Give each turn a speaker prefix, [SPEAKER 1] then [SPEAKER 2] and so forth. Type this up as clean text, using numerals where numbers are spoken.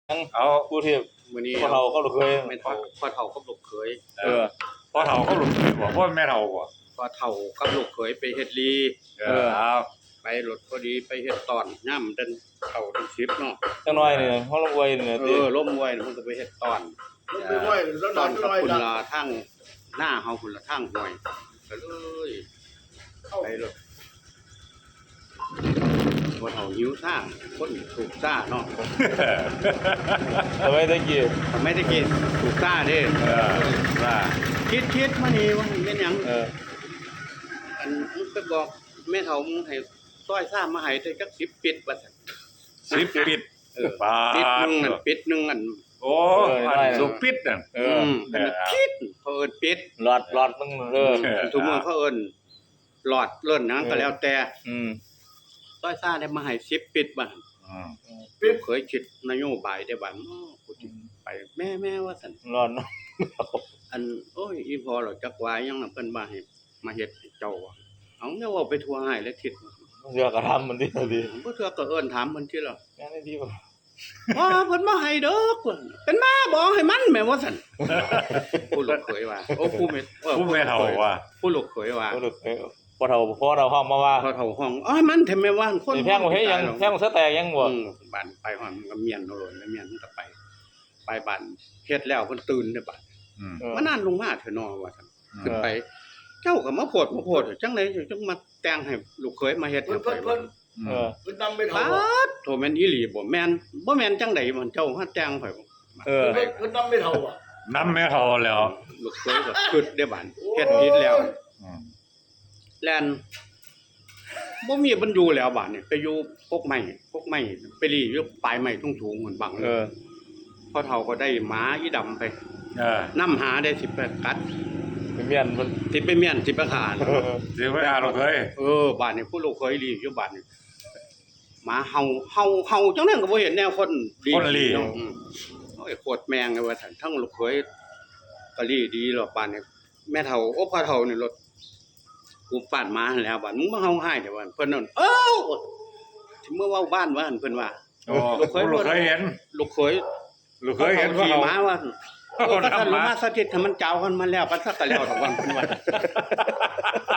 [SPEAKER 1] เอา
[SPEAKER 2] ผู้ที่
[SPEAKER 3] มื้อนี้
[SPEAKER 2] พ่อเฒ่าเขาลูกเคย
[SPEAKER 3] แม่เฒ่าพ่อเฒ่ากับลูกเขย
[SPEAKER 1] พ่อเฒ่าเขาหลุดบ่พ่อแม่เฒ่าบ่
[SPEAKER 3] พ่อเฒ่ากับลูกเขยไปเฮ็ดลี
[SPEAKER 1] เอา
[SPEAKER 3] ไปรถพอดีไปเฮ็ดตอนย่ำเดินเข้าถึง10เนาะ
[SPEAKER 2] จังน้อยนี่เฮาลงไว้นี่ติ
[SPEAKER 3] ล้มมวยมันก็ไปเฮ็ดตอน
[SPEAKER 4] มันไปไหวแล้ว
[SPEAKER 3] ต
[SPEAKER 4] น
[SPEAKER 3] อ
[SPEAKER 4] อน น
[SPEAKER 3] กับ
[SPEAKER 4] น้อย
[SPEAKER 3] คุณ
[SPEAKER 4] ละ
[SPEAKER 3] ลาทั้งหน้าเฮาคุณละทั้งห้วยก็เลยไปรถพ่อเฒ่าหิวซ่าคนถูกซ่าเนาะ
[SPEAKER 2] ทำไมตะกี้
[SPEAKER 3] ไม่ได้กินถูกซ่าเด้
[SPEAKER 1] ว่า
[SPEAKER 3] คิดมานี่ว่ามันเป็นหยัง อันมึงไปบอกแม่เฒ่ามึงให้ซอยซ่ามาให้ได้จัก10ปิดว่าซั่น
[SPEAKER 1] 10ปิดปา
[SPEAKER 3] ปิดหนึงอัน
[SPEAKER 1] โอ้อันสุปิดน่ะ
[SPEAKER 3] เป็นคิดเขาเอิ้นปิด
[SPEAKER 2] หลอดมึง
[SPEAKER 3] ทุกมื้อเขาเอิ้นหลอดเลิ่นหยังก็แล้วแต่ซอยซ่าได้มาให้10ปิดบัดเคยคิดนโยบายได้บัดกูสิไปแม่ว่าซั่น
[SPEAKER 2] หลอดเนาะ
[SPEAKER 3] อันโอ้ยอีพอหรอกจักว่ายังน่ะเพิ่นมาให้มาเฮ็ดให้เจ้าว่าเอาแนวเว้าไปทั่วให้และทิศ
[SPEAKER 2] เสือก็ทำมันดิดิ
[SPEAKER 3] บ่เทื่อก็เอิ้นถามเพิ่นติล่ะ
[SPEAKER 2] แม่นดีบ่
[SPEAKER 3] เพิ่นมาให้เด้อเพิ่นเป็นมาบ่ให้มันแม่ว่าซั่นผู้ลูกเขยว่าโอ้ผู้แม่
[SPEAKER 1] ผู้แม่เฒ่าว่า
[SPEAKER 3] ผู้ลูกเขยว่า
[SPEAKER 2] พ่อเฒ่าห้องมาว่า
[SPEAKER 3] พอเฒ่าห้องอ้อยมันแท้แม่ว่าคน
[SPEAKER 2] นี่แพงบ่เฮ็ดหยังแพงบ่ซะแตกยังบ่
[SPEAKER 3] บ้านไปห้องมันก็เมียนโลดแล้วเมียนมันก็ไปบ้านเฮ็ดแล้วเพิ่นตื่นเด้อบัดมานานลงมาเถอะเนาะว่าซั่นขึ้นไป เจ้าก็มาโพดจังได๋จังมาแต่งให้ลูกเขยมาเฮ็ด
[SPEAKER 4] เพิ่
[SPEAKER 3] ให้
[SPEAKER 4] น
[SPEAKER 3] ข่อย
[SPEAKER 4] เพิ่นนำไป
[SPEAKER 3] ปา
[SPEAKER 4] เท่า
[SPEAKER 3] ดโทแม่นอีหลีบ่แม่นจังได๋มันเจ้าหาแต่งข่อยบ่
[SPEAKER 4] เพิ่นนำไปเท่าอ่ะ
[SPEAKER 1] นำแม่เฒ่าแล้ว
[SPEAKER 3] ลูกเขยก็คิดได้บัดเฮ็ดผิดแล้วแล่นบ่มีบรรอยู่แล้วบัดนี่ไปอยู่พกไม้ไปรีอยู่ปลายไม้สูงๆเหมือนบังพอเฒ่าก็ได้หมาอีดำไปนำหาได้สิไปกัด
[SPEAKER 2] เป็นเมียนมัน
[SPEAKER 3] สิไปเมียนสิไปขาด
[SPEAKER 1] สิไปหาลูกเคย
[SPEAKER 3] บ้านนี้ผู้ลูกเคยรีอยู่บ้านนี้หมาเห่าจังนั้นก็บ่เห็นแนวคนรีเนาะโอ้ยโคตรแมงเลยว่าซั่นทั้งลูกเคยก็รีดีหรอกบ้านนี้แม่เฒ่าโอ้พ่อเฒ่านี่รถกูปาดหมาหั่นแหล้วบ้านมึงมาเฮาให้แต่ว่าเพิ่นนั่นสิเมื่อเว้าบ้านว่าหั่นเพิ่นว่า
[SPEAKER 1] โอ้ลูกเคยเห็น
[SPEAKER 3] ลูกเคย
[SPEAKER 1] ลูกเคยเห็น
[SPEAKER 3] ขี่ม้าว่า
[SPEAKER 1] เขา
[SPEAKER 3] ถ้า
[SPEAKER 1] ทำ
[SPEAKER 3] ลง
[SPEAKER 1] มา
[SPEAKER 3] มาสถิตให้มันเจ้ากันมาแล้วปัสสักกะแล้วทุกวันเพิ่นว่า